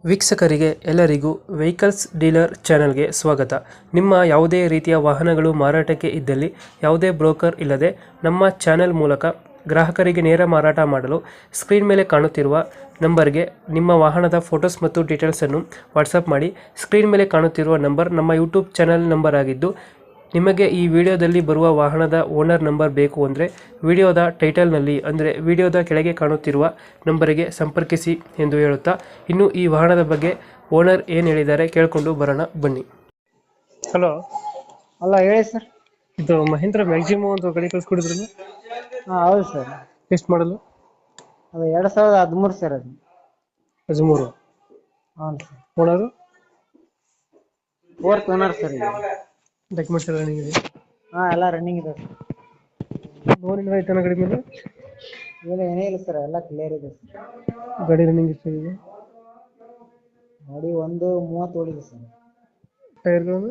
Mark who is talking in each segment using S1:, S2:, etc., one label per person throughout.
S1: ವೀಕ್ಷಕರಿಗೆ ಎಲ್ಲರಿಗೂ vehicles dealer ಚಾನೆಲ್ಗೆ ಸ್ವಾಗತ. ನಿಮ್ಮ ಯಾವುದೇ ರೀತಿಯ ವಾಹನಗಳು ಮಾರಾಟಕ್ಕೆ ಇದ್ದಲ್ಲಿ ಯಾವುದೇ ಬ್ರೋಕರ್ ಇಲ್ಲದೆ ನಮ್ಮ ಚಾನೆಲ್ ಮೂಲಕ ಗ್ರಾಹಕರಿಗೆ ನೇರ ಮಾರಾಟ ಮಾಡಲು ಸ್ಕ್ರೀನ್ ಮೇಲೆ ಕಾಣುತ್ತಿರುವ ನಂಬರ್ಗೆ ನಿಮ್ಮ ವಾಹನದ ಫೋಟೋಸ್ ಮತ್ತು ಡೀಟೇಲ್ಸನ್ನು ವಾಟ್ಸಪ್ ಮಾಡಿ. ಸ್ಕ್ರೀನ್ ಮೇಲೆ ಕಾಣುತ್ತಿರುವ ನಂಬರ್ ನಮ್ಮ ಯೂಟ್ಯೂಬ್ ಚಾನೆಲ್ ನಂಬರ್ ಆಗಿದ್ದು, ನಿಮಗೆ ಈ ವಿಡಿಯೋದಲ್ಲಿ ಬರುವ ವಾಹನದ ಓನರ್ ನಂಬರ್ ಬೇಕು ಅಂದರೆ ವಿಡಿಯೋದ ಟೈಟಲ್ನಲ್ಲಿ ಅಂದರೆ ವಿಡಿಯೋದ ಕೆಳಗೆ ಕಾಣುತ್ತಿರುವ ನಂಬರಿಗೆ ಸಂಪರ್ಕಿಸಿ ಎಂದು ಹೇಳುತ್ತಾ, ಇನ್ನು ಈ ವಾಹನದ ಬಗ್ಗೆ ಓನರ್ ಏನು ಹೇಳಿದ್ದಾರೆ ಕೇಳಿಕೊಂಡು ಬರೋಣ ಬನ್ನಿ. ಹಲೋ,
S2: ಅಲ್ಲ ಹೇಳಿ ಸರ್.
S1: ಇದು ಮಹೇಂದ್ರ ಮ್ಯಾಕ್ಸಿಮಮ್ ಒಂದು ಗಾಡಿ ಕಳಿಸ್ಕೊಡಿದ್ರಲ್ಲ,
S2: ಹಾಂ ಹೌದು ಸರ್.
S1: ಎಷ್ಟು ಮಾಡಲು?
S2: ಅದು 2013 ಸರ್. ಅದು
S1: 13.
S2: ಹಾಂ sir.
S1: Owner?
S2: 4th owner sir. ಇದು
S1: ಡಾಕ್ಯುಮೆಂಟ್ಸ್ ಎಲ್ಲ ರನ್ನಿಂಗ್ ಇದೆ?
S2: ಹಾಂ ಎಲ್ಲ ರನ್ನಿಂಗ್ ಇದೆ ಸರ್.
S1: ಲೋನ್ ಇಲ್ಲ ಐತನ ಗಾಡಿ ಮೇಲೆ?
S2: ಏನೇ ಇಲ್ಲ ಸರ್, ಎಲ್ಲ ಕ್ಲಿಯರ್ ಇದೆ ಸರ್.
S1: ಗಾಡಿ ರನ್ನಿಂಗ್ ಎಷ್ಟಾಗಿದೆ?
S2: ಗಾಡಿ 1:30 ಓಡಿದೆ ಸರ್.
S1: ಟೈರ್ಗಳನ್ನು?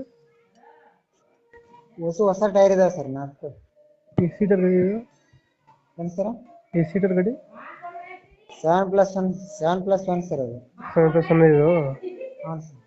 S2: ಹೊಸ ಟೈರ್ ಇದೆ ಸರ್. 4
S1: ಎಷ್ಟು ಸೀಟರ್ ಗಾಡಿ ಇದು?
S2: ಏನು ಸರ್?
S1: ಎಷ್ಟು ಸೀಟರ್ ಗಾಡಿ?
S2: 7+1 ಸರ್. ಅದು
S1: 7+1 ಇದು?
S2: ಹಾಂ ಸರ್.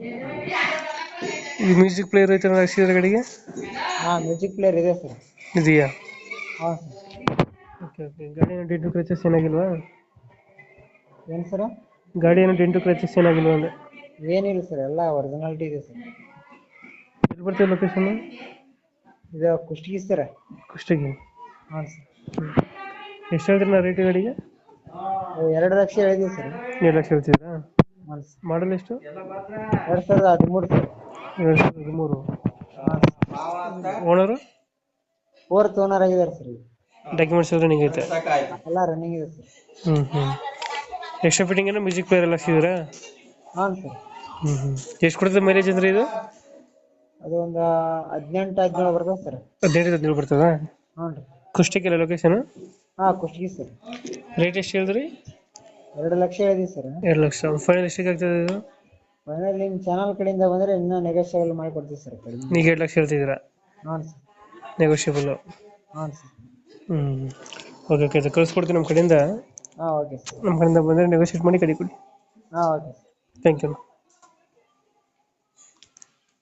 S1: ಈ ಮ್ಯೂಸಿಕ್ ಪ್ಲೇಯರ್ ಐತೆ ಹಾಕ್ಸಿದ್ರೆ ಗಾಡಿಗೆ?
S2: ಹಾಂ ಮ್ಯೂಸಿಕ್ ಪ್ಲೇಯರ್ ಇದೆ ಸರ್.
S1: ಇದೆಯಾ?
S2: ಹಾಂ ಸರ್.
S1: Okay okay. ಗಾಡಿ ಏನು ಡೆಂಟು ಕ್ರಚಸ್ ಏನಾಗಿಲ್ವಾ?
S2: ಏನು ಸರ್?
S1: ಗಾಡಿ ಏನು ಡೆಂಟು ಕ್ರಚಸ್ ಏನಾಗಿಲ್ವಾ ಅಂದರೆ?
S2: ಏನಿಲ್ಲ ಸರ್, ಎಲ್ಲ ಒರಿಜಿನಾಲಿಟಿ ಇದೆ ಸರ್.
S1: ಎಲ್ಲಿ ಬರ್ತದೆ ಲೊಕೇಶನ್?
S2: ಇದು ಕುಷ್ಟಗಿ ಸರ್.
S1: ಕುಷ್ಟಗಿ?
S2: ಹಾಂ ಸರ್.
S1: ಎಷ್ಟು ಹೇಳ್ತೀರಿ ನಾ ರೇಟ್ ಗಾಡಿಗೆ?
S2: 2 ಲಕ್ಷ ಹೇಳಿದ್ದೀವಿ ಸರ್.
S1: 2 ಲಕ್ಷ ಹೇಳ್ತಿದ್ದೀರಾ?
S2: ಹಾಂ ಸರ್.
S1: ಮಾಡಲ್ ಎಷ್ಟು?
S2: 2013 ಸರ್.
S1: 2013.
S2: ಹಾಂ ಸರ್.
S1: ಓನರು?
S2: 4th ಓನರ್ ಆಗಿದ್ದಾರೆ ಸರ್.
S1: ಡಾಕ್ಯುಮೆಂಟ್ಸ್ ಎಲ್ಲ ರನ್ನಿಂಗ್ ಐತೆ?
S2: ಎಲ್ಲ ರನ್ನಿಂಗ್ ಇದೆ ಸರ್.
S1: ಎಕ್ಸ್ಟ್ರಾ ಫಿಟ್ಟಿಂಗ್ ಏನೋ ಮ್ಯೂಸಿಕ್ ಪ್ಲೇಯರ್ ಎಲ್ಲ ಹಾಕ್ಸಿದ್ದೀರಾ?
S2: ಹಾಂ ಸರ್.
S1: ಎಷ್ಟು ಕೊಡ್ತದೆ ಮೈಲೇಜ್ ಅಂದ್ರೆ ಇದು?
S2: ಅದು ಒಂದು 18-17 ಬರ್ತದೆ ಸರ್.
S1: 15-17 ಬರ್ತದಾ?
S2: ಹ್ಞೂ ರೀ.
S1: ಕುಷ್ಟಗಿಲ್ಲ ಲೊಕೇಶನ್?
S2: ಹಾಂ ಕುಷ್ಟಗಿ ಸರ್.
S1: ರೇಟ್ ಎಷ್ಟು ಹೇಳಿದ್ರಿ?
S2: 2 ಲಕ್ಷ ಹೇಳಿದ್ದೀವಿ ಸರ್.
S1: 2 ಲಕ್ಷ. ಫೈನಲ್ ಎಷ್ಟಿಗೆ ಆಗ್ತದೆ ಇದು?
S2: ಫೈನಲ್ ನಿಮ್ಮ ಚಾನಲ್ ಕಡೆಯಿಂದ ಬಂದರೆ ಇನ್ನೂ ನೆಗೋಷಿಯಬಲ್ ಮಾಡಿಕೊಡ್ತೀವಿ ಸರ್. ಕಡಿಮೆ.
S1: ಈಗ 2 ಲಕ್ಷ ಹೇಳ್ತಿದ್ದೀರಾ?
S2: ಹಾಂ ಸರ್.
S1: ನೆಗೋಷಿಯಬಲ್?
S2: ಹಾಂ ಸರ್.
S1: Okay okay. ಅದು ಕಳಿಸ್ಕೊಡ್ತೀನಿ ನಮ್ಮ ಕಡೆಯಿಂದ.
S2: ಹಾಂ ಓಕೆ ಸರ್.
S1: ನಮ್ಮ ಕಡೆಯಿಂದ ಬಂದರೆ ನೆಗೋಷಿಯೇಟ್ ಮಾಡಿ ಕಡಿ ಕೊಡಿ.
S2: ಹಾಂ ಓಕೆ ಸರ್.
S1: Thank you.